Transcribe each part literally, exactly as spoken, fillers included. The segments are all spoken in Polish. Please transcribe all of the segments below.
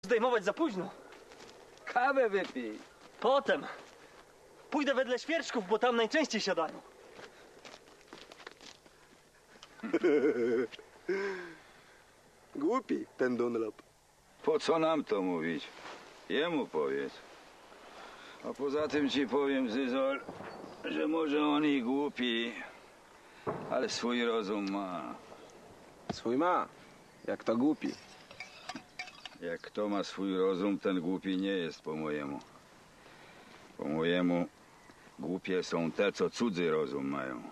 zdejmować za późno. Kawę wypij. Potem pójdę wedle świerczków, bo tam najczęściej siadają. Głupi ten Dunlop. Po co nam to mówić? Jemu powiedz. A poza tym ci powiem, Zyzol, że może on i głupi, ale swój rozum ma. Swój ma, jak to głupi. Jak kto ma swój rozum, ten głupi nie jest po mojemu. Po mojemu głupie są te, co cudzy rozum mają.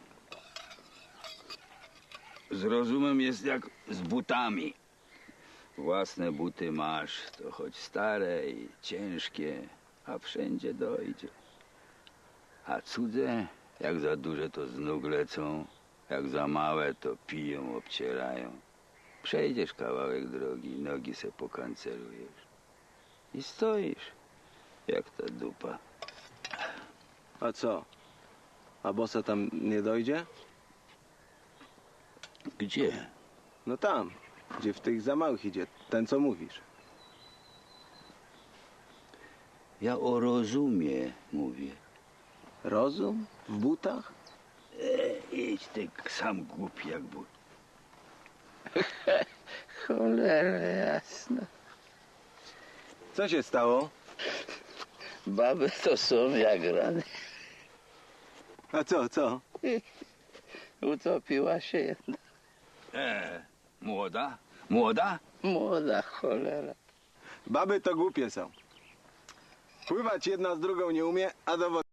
Z rozumem jest jak z butami. Własne buty masz, to choć stare i ciężkie, a wszędzie dojdzie. A cudze, jak za duże, to z nóg lecą, jak za małe, to piją, obcierają. Przejdziesz kawałek drogi, nogi se pokancerujesz i stoisz, jak ta dupa. A co? A bossa tam nie dojdzie? Gdzie? No tam, gdzie w tych za małych idzie, ten co mówisz. Ja o rozumie mówię. Rozum? W butach? E, idź ty sam głupi jak but. Cholera jasna. Co się stało? Baby to są jak rany. A co, co? Utopiła się jedna E, młoda? Młoda? młoda cholera. Baby to głupie są. Pływać jedna z drugą nie umie, a do wody